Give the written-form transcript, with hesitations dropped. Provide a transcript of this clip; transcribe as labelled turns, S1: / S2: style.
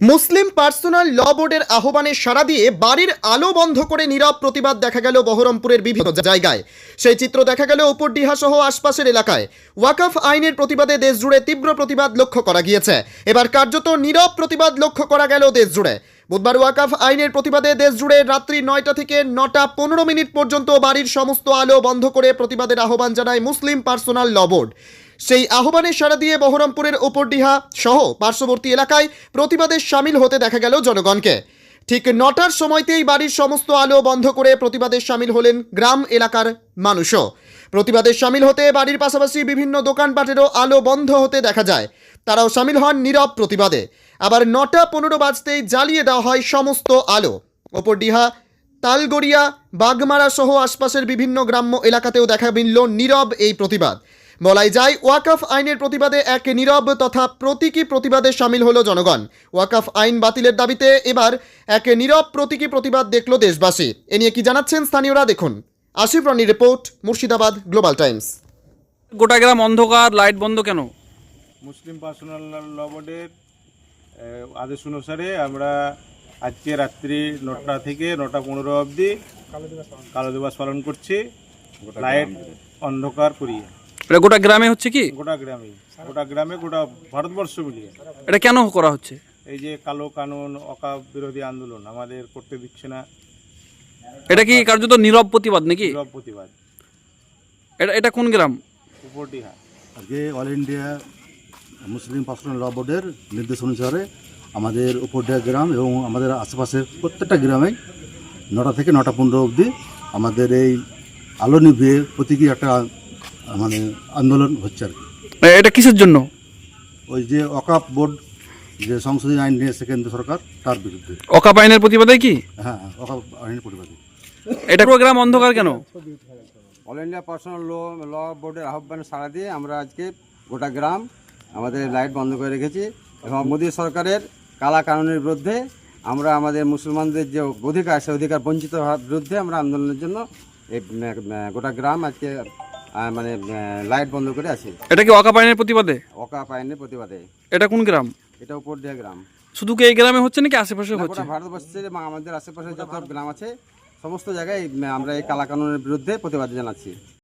S1: মুসলিম personal law বোর্ডের আহ্বানে সাড়া দিয়ে বাড়ির আলো বন্ধ করে নীরব প্রতিবাদ দেখা গেল বহরমপুরের বিভিন্ন জায়গায়। সেই চিত্র দেখা গেল উপরডিহা সহ আশপাশের এলাকায়। ওয়াকফ আইনের প্রতিবাদে দেশজুড়ে তীব্র প্রতিবাদ লক্ষ্য করা গিয়েছে। এবার কার্যত নীরব প্রতিবাদ লক্ষ্য করা গেল দেশজুড়ে। বুধবার ওয়াকফ আইনের প্রতিবাদে দেশজুড়ে রাত্রি 9টা থেকে 9টা 15 মিনিট পর্যন্ত বাড়ির সমস্ত আলো বন্ধ করে প্রতিবাদের আহ্বান জানায় মুসলিম পার্সোনাল ল বোর্ড। সেই আহ্বানে সাড়া দিয়ে বহরমপুরের উপরডিহা সহ পার্শ্ববর্তী এলাকায় প্রতিবাদে সামিল হতে দেখা গেল জনগণকে। ঠিক 9টার সময়তেই বাড়ির সমস্ত আলো বন্ধ করে প্রতিবাদে সামিল হলেন গ্রাম এলাকার মানুষও। প্রতিবাদে সামিল হতে বাড়ির পাশাপাশি বিভিন্ন দোকানপাটেরও আলো বন্ধ হতে দেখা যায়। তারাও সামিল হন নীরব প্রতিবাদে। আবার 9টা 15 বাজতেই জ্বালিয়ে দেওয়া হয় সমস্ত আলো। উপরডিহা, তালগড়িয়া, বাগমারা সহ আশপাশের বিভিন্ন গ্রাম্য এলাকাতেও দেখা মিলল নীরব এই প্রতিবাদ। বলাই যায় ওয়াকফ আইনের প্রতিবাদে এক নীরব তথা প্রতীকী প্রতিবাদে সামিল হলো জনগণ। ওয়াকফ আইন বাতিলের দাবিতে এবার এক নীরব প্রতীকী প্রতিবাদ দেখল দেশবাসী। এ নিয়ে কি জানাচ্ছেন স্থানীয়রা দেখুন। আসিফ রানির রিপোর্ট, মুর্শিদাবাদ গ্লোবাল টাইমস।
S2: গোটা গ্রাম অন্ধকার, লাইট বন্ধ কেন?
S3: মুসলিম পার্সোনাল ল বোর্ডের আদেশ অনুসারে আমরা আজকে রাত্রি 9টা থেকে 9টা 15 অবধি কালো দিবস পালন করছি। লাইট অন্ধকার করিয়ে
S2: এটা গোটা গ্রামে হচ্ছে কি?
S3: গোটা গ্রামে গোটা ভারতবর্ষ মিলিয়ে।
S2: এটা কেন করা হচ্ছে?
S3: এই যে কালো কানুন, অকাপ বিরোধী আন্দোলন আমাদের করতে দিচ্ছে না।
S2: এটা কি কার্যত নীরব প্রতিবাদ নাকি?
S3: নীরব প্রতিবাদ।
S2: এটা কোন গ্রাম?
S3: উপরডিহা।
S4: আজকে all India Muslim personal law বোর্ডের নির্দেশ অনুসারে আমাদের উপরডিহা গ্রাম এবং আমাদের আশেপাশের প্রত্যেকটা গ্রামে 9টা থেকে 9টা 15 অবধি আমাদের এই আলো নিভিয়ে প্রতীকী একটা মানে আন্দোলন হচ্ছে আর কি।
S2: এটা কিসের জন্য?
S4: ওই যে অকাপ বোর্ড যে সংশোধনী আইন নিয়েছে কেন্দ্র সরকার, তার বিরুদ্ধে।
S2: অকাপ আইনের প্রতিবাদে কি?
S4: হ্যাঁ, অকাপ আইনের প্রতিবাদে।
S2: এটা পুরো গ্রাম অন্ধকার কেন?
S5: অল ইন্ডিয়া পার্সোনাল ল বোর্ডের আহ্বানে সাড়া দিয়ে আমরা আজকে গোটা গ্রাম আমাদের লাইট বন্ধ করে রেখেছি এবং মোদী সরকারের কালা কানুনের বিরুদ্ধে আমরা আমাদের মুসলমানদের যে অধিকার, সে অধিকার বঞ্চিত হওয়ার বিরুদ্ধে আমরা আন্দোলনের জন্য এই গোটা গ্রাম আজকে মানে লাইট বন্ধ করে আছি।
S2: এটা কি অকাপ আইনের প্রতিবাদে?
S5: অকাপ আইনের প্রতিবাদে।
S2: এটা কোন গ্রাম?
S5: এটা উপরডিহা গ্রাম।
S2: শুধু কি এই গ্রামে হচ্ছে নাকি আশেপাশে হচ্ছে?
S5: গোটা ভারতবর্ষের এবং আমাদের আশেপাশে যত গ্রাম আছে সমস্ত জায়গায় আমরা এই কালা কানুনের বিরুদ্ধে প্রতিবাদ জানাচ্ছি।